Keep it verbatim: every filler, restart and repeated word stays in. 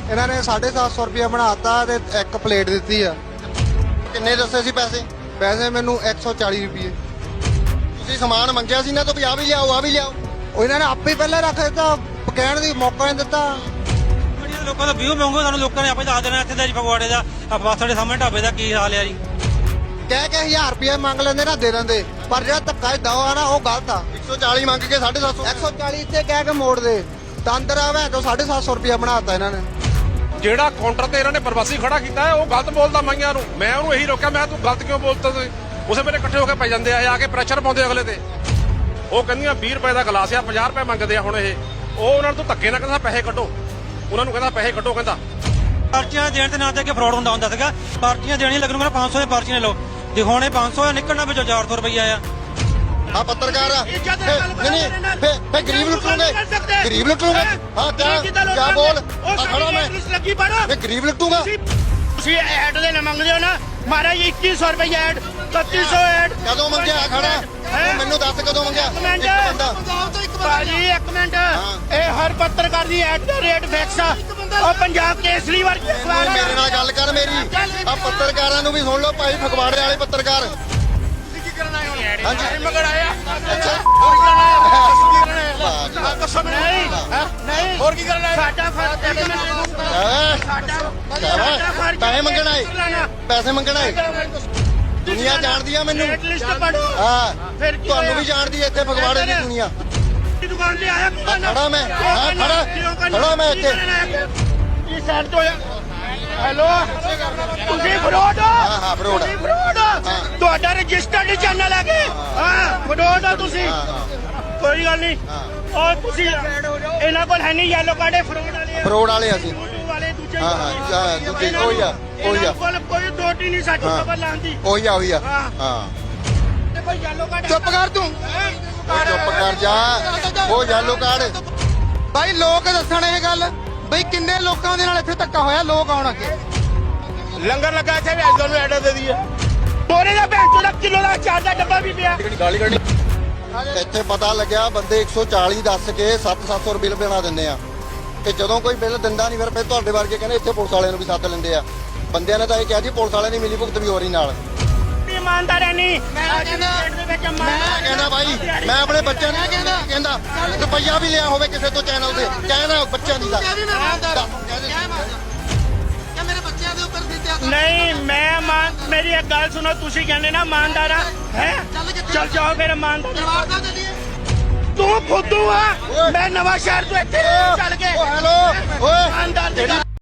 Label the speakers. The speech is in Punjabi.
Speaker 1: ਇਹਨਾਂ ਨੇ ਸਾਢੇ ਸੱਤ ਸੌ ਰੁਪਇਆ ਬਣਾਤਾ ਤੇ ਇੱਕ ਪਲੇਟ ਦਿੱਤੀ ਆ।
Speaker 2: ਕਿੰਨੇ ਦੱਸੇ ਸੀ ਪੈਸੇ?
Speaker 1: ਪੈਸੇ ਮੈਨੂੰ ਇੱਕ ਸੌ ਚਾਲੀ ਰੁਪਏ।
Speaker 2: ਤੁਸੀਂ ਸਮਾਨ ਮੰਗਿਆ ਸੀ ਨਾ ਤਾਂ ਵੀ ਆ ਵੀ ਲਿਆਓ ਆ ਵੀ ਲਿਆਓ।
Speaker 1: ਉਹ ਇਹਨਾਂ ਨੇ ਆਪੇ ਪਹਿਲਾਂ ਰੱਖ ਦਿੱਤਾ, ਕਹਿਣ ਦੀ ਮੌਕਾ ਨਹੀਂ ਦਿੱਤਾ।
Speaker 3: ਲੋਕਾਂ ਦਾ ਵਿਊ ਮੰਗੋ, ਸਾਨੂੰ ਲੋਕਾਂ ਨੇ ਆਪੇ ਦੱਸ ਦੇਣਾ ਇੱਥੇ ਦਾ ਜੀ ਫਗਵਾੜੇ ਦਾ ਬੱਸ ਸਾਡੇ ਸਾਹਮਣੇ ਢਾਬੇ ਦਾ ਕੀ ਹਾਲ ਆ ਜੀ।
Speaker 1: ਕਹਿ ਕੇ ਹਜ਼ਾਰ ਰੁਪਇਆ ਮੰਗ ਲੈਂਦੇ ਨਾ ਦੇ ਦਿੰਦੇ, ਪਰ ਜਿਹੜਾ ਧੱਕਾ ਦਾ ਆ ਨਾ ਉਹ ਗਲਤ ਆ।
Speaker 2: ਇੱਕ ਸੌ ਚਾਲੀ ਮੰਗ ਕੇ ਸਾਢੇ ਸੱਤ ਸੌ
Speaker 1: ਇੱਕ ਸੌ ਚਾਲੀ ਇੱਥੇ ਕਹਿ ਕੇ ਮੋੜ ਦੇ ਤੰਦਰ ਆਵੇ ਤੋਂ ਸਾਢੇ ਸੱਤ ਸੌ ਰੁਪਇਆ ਬਣਾਤਾ ਇਹਨਾਂ ਨੇ।
Speaker 4: ਜਿਹੜਾ ਕਾਊਂਟਰ ਤੇ ਇਹਨਾਂ ਨੇ ਪ੍ਰਵਾਸੀ ਖੜਾ ਕੀਤਾ ਹੈ ਉਹ ਗਲਤ ਬੋਲਦਾ ਮਾਈਆਂ ਨੂੰ। ਮੈਂ ਉਹਨੂੰ ਇਹੀ ਰੋਕਿਆ, ਮੈਂ ਤੂੰ ਗਲਤ ਕਿਉਂ ਬੋਲਦਾ? ਤੁਸੀਂ ਉਸੇ ਵੇਲੇ ਇਕੱਠੇ ਹੋ ਕੇ ਪੈ ਜਾਂਦੇ ਆ, ਆ ਕੇ ਪ੍ਰੈਸ਼ਰ ਪਾਉਂਦੇ ਅਗਲੇ ਤੇ। ਉਹ ਕਹਿੰਦੀਆਂ ਵੀਹ ਰੁਪਏ ਦਾ ਗਲਾਸ ਆ, ਪੰਜਾਹ ਰੁਪਏ ਮੰਗਦੇ ਆ ਹੁਣ ਇਹ। ਉਹ ਉਹਨਾਂ ਨੂੰ ਧੱਕੇ ਨਾਲ ਕਹਿੰਦਾ ਪੈਸੇ ਕੱਢੋ, ਉਹਨਾਂ ਨੂੰ ਕਹਿੰਦਾ ਪੈਸੇ ਕੱਢੋ। ਕਹਿੰਦਾ
Speaker 3: ਪਰਚੀਆਂ ਦੇਣ ਦੇ ਨਾਂ ਤੇ ਅੱਗੇ ਫਰਾਡ ਹੁੰਦਾ ਹੁੰਦਾ ਸੀਗਾ। ਪਰਚੀਆਂ ਦੇਣੀਆਂ ਲੱਗਣ ਮੇਰਾ ਪੰਜ ਸੌ ਦੀਆਂ ਪਰਚੀਆਂ ਲਓ, ਦਿਖਾਉਣੇ ਪੰਜ ਸੌ ਆ, ਨਿਕਲਣਾ ਵਿੱਚੋਂ ਚਾਰ ਸੌ ਰੁਪਈਆ ਆ।
Speaker 2: ਆ ਪੱਤਰਕਾਰ ਆ ਨਹੀਂ ਨਹੀਂ ਫੇ ਫੇ ਗਰੀਬ ਲੁੱਟੂਗੇ, ਗਰੀਬ ਲੁੱਟੂਗੇ। ਹਾਂ ਕਿਆ ਕਿਆ ਬੋਲ ਆ ਖੜਾ ਮੈਂ ਫੇ ਗਰੀਬ ਲੁੱਟੂਗਾ।
Speaker 5: ਤੁਸੀਂ ਐਡ ਦੇ ਨਾ ਮੰਗਦੇ ਹੋ ਨਾ ਮਹਾਰਾਜ ਇੱਕੀ ਸੌ ਰੁਪਏ ਐਡ, ਇਕੱਤੀ ਸੌ ਐਡ
Speaker 2: ਕਦੋਂ ਮੰਗਿਆ? ਆ ਖੜਾ ਤੂੰ ਮੈਨੂੰ ਦੱਸ ਕਦੋਂ ਮੰਗਿਆ?
Speaker 5: ਇੱਕ ਮਿੰਟ
Speaker 2: ਇੱਕ ਬੰਦਾ
Speaker 5: ਭਾਜੀ ਇੱਕ ਮਿੰਟ, ਇਹ ਹਰ ਪੱਤਰਕਾਰ ਦੀ ਐਡ ਦਾ ਰੇਟ ਫਿਕਸ ਆ। ਉਹ ਪੰਜਾਬ ਕੇਸਰੀ ਵਰਗੀ ਅਖਬਾਰ
Speaker 2: ਮੇਰੇ ਨਾਲ ਗੱਲ ਕਰ ਮੇਰੀ। ਆ ਪੱਤਰਕਾਰਾਂ ਨੂੰ ਵੀ ਸੁਣ ਲਓ ਭਾਈ, ਫਗਵਾੜੇ ਵਾਲੇ ਪੱਤਰਕਾਰ। ਹਾਂਜੀ
Speaker 5: ਮਗਰ ਆਇਆ
Speaker 2: ਅੱਛਾ
Speaker 5: ਹੋਰ ਕੀ ਕਰਨਾ
Speaker 2: ਵਾਹ
Speaker 5: ਹੈ? ਦੱਸੋ ਮੈਨੂੰ। ਨਹੀਂ ਨਹੀਂ ਹੋਰ ਕੀ ਕਰਨਾ ਹੈ? ਸਾਡਾ ਫਰਜ਼ ਇੱਕ ਮਿੰਟ
Speaker 2: ਸਾਡਾ ਪੈਸੇ ਮੰਗਣਾ ਏ, ਪੈਸੇ ਮੰਗਣਾ ਏ। ਦੁਨੀਆ ਜਾਣਦੀ ਆ ਮੈਨੂੰ।
Speaker 5: ਰੇਟ ਲਿਸਟ ਪੜੋ।
Speaker 2: ਹਾਂ
Speaker 5: ਫਿਰ ਕੀ
Speaker 2: ਤੁਹਾਨੂੰ
Speaker 5: ਹੋਇਆ?
Speaker 2: ਵੀ ਜਾਣਦੀ ਏ ਇੱਥੇ ਫਗਵਾੜੇ ਦੀ ਦੁਨੀਆ।
Speaker 5: ਦੀ ਦੁਕਾਨ ਤੇ ਆਇਆ
Speaker 2: ਆ ਖੜਾ ਮੈਂ, ਹਾਂ ਖੜਾ ਖੜਾ ਮੈਂ ਇੱਥੇ।
Speaker 5: ਇਹ ਸਾਈਡ ਤੋਂ ਹੈਲੋ ਤੁਸੀਂ ਫਰੋਡ ਹੋ?
Speaker 2: ਹਾਂ ਹਾਂ ਫਰੋਡ
Speaker 5: ਤੁਸੀਂ ਫਰੋਡ ਹੋ? ਤੁਹਾਡਾ ਰਜਿਸਟਰਡ ਚੈਨਲ ਹੈ ਕਿ ਹਾਂ ਫਰੋਡ ਹੋ ਤੁਸੀਂ। ਕੋਈ ਗੱਲ ਨਹੀਂ, ਉਹ ਤੁਸੀਂ ਇਹਨਾਂ ਕੋਲ ਹੈ ਨਹੀਂ ਯੈਲੋ ਕਾਰਡ, ਫਰੋਡ ਵਾਲੇ
Speaker 2: ਫਰੋਡ ਵਾਲੇ ਅਸੀਂ।
Speaker 5: ਵਾਲੇ ਦੂਜੇ
Speaker 2: ਹਾਂ ਹਾਂ ਦੂਜੇ ਕੋਈ ਆ ਕੋਈ ਆ
Speaker 5: ਕੋਲ ਕੋਈ ਦੋਟੀ ਨਹੀਂ ਸਾਡੀ ਖਬਰ ਲਾਉਂਦੀ।
Speaker 2: ਉਹੀ ਆ ਉਹੀ ਆ ਹਾਂ।
Speaker 5: ਤੇ ਕੋਈ ਯੈਲੋ ਕਾਰਡ
Speaker 2: ਚੁੱਪ ਕਰ ਤੂੰ, ਉਹ ਚੁੱਪ ਕਰ ਜਾ। ਉਹ ਯੈਲੋ ਕਾਰਡ
Speaker 1: ਬਾਈ ਲੋਕ ਦੱਸਣ ਇਹ ਗੱਲ ਬਈ ਕਿੰਨੇ ਲੋਕਾਂ ਦੇ ਨਾਲ ਇੱਥੇ ਧੱਕਾ ਹੋਇਆ। ਲੋਕ ਆਉਣ ਅੱਗੇ
Speaker 5: ਲੰਗਰ ਲੱਗਾ ਇੱਥੇ ਵੀ ਅੱਜ ਤੁਹਾਨੂੰ ਐਡ ਦੇ ਦਈਏ। ਬੋਰੇ ਦਾ ਭੈਣ ਦਾ ਕਿਲੋ ਦਾ ਚਾਰ ਦਾ ਡੱਬਾ ਵੀ ਪਿਆ।
Speaker 2: ਇੱਥੇ ਪਤਾ ਲੱਗਿਆ ਬੰਦੇ ਇੱਕ ਸੌ ਚਾਲੀ ਦੱਸ ਕੇ ਸੱਤ ਸੱਤ ਸੌ ਬਿੱਲ ਬਣਾ ਦਿੰਦੇ ਆ। ਤੇ ਜਦੋਂ ਕੋਈ ਬਿੱਲ ਦਿੰਦਾ ਨਹੀਂ ਫਿਰ ਫਿਰ ਤੁਹਾਡੇ ਵਰਗੇ ਕਹਿੰਦੇ ਇੱਥੇ ਪੁਲਿਸ ਵਾਲਿਆਂ ਨੂੰ ਵੀ ਸੱਦ ਲੈਂਦੇ ਆ। ਬੰਦਿਆਂ ਨੇ ਤਾਂ ਇਹ ਕਿਹਾ ਜੀ ਪੁਲਿਸ ਵਾਲਿਆਂ ਦੀ ਮਿਲੀ ਭੁਗਤ ਵੀ ਹੋ ਰਹੀ ਨਾਲ।
Speaker 5: ਇਮਾਨਦਾਰ ਹੈ ਨਹੀਂ। ਮੈਂ ਕਹਿੰਦਾ
Speaker 2: ਮੈਂ ਕਹਿੰਦਾ ਬਾਈ ਮੈਂ ਆਪਣੇ ਬੱਚਿਆਂ ਨੂੰ ਕਹਿੰਦਾ ਕਹਿੰਦਾ ਰੁਪਈਆ ਵੀ ਲਿਆ ਹੋਵੇ ਕਿਸੇ ਤੋਂ ਚੈਨਲ ਤੇ ਕਹਿੰਦਾ ਬੱਚਿਆਂ ਦੀ ਦਾ
Speaker 5: ਨਹੀਂ ਮੈਂ ਮਾਨ ਮੇਰੀ ਇੱਕ ਗੱਲ ਸੁਣੋ, ਤੁਸੀਂ ਕਹਿੰਦੇ ਨਾ ਇਮਾਨਦਾਰ ਆ ਹੈ, ਚੱਲ ਜਾਓ ਫਿਰ ਇਮਾਨਦਾਰ। ਤੂੰ ਫੁੱਦੂ ਆ। ਮੈਂ ਨਵਾਂ ਸ਼ਹਿਰ ਤੋਂ ਇੱਥੇ ਚੱਲ ਕੇ
Speaker 2: ਓ ਹੈਲੋ ਓਏ
Speaker 5: ਇਮਾਨਦਾਰ ਦੀ
Speaker 2: ਜਿਹੜੀ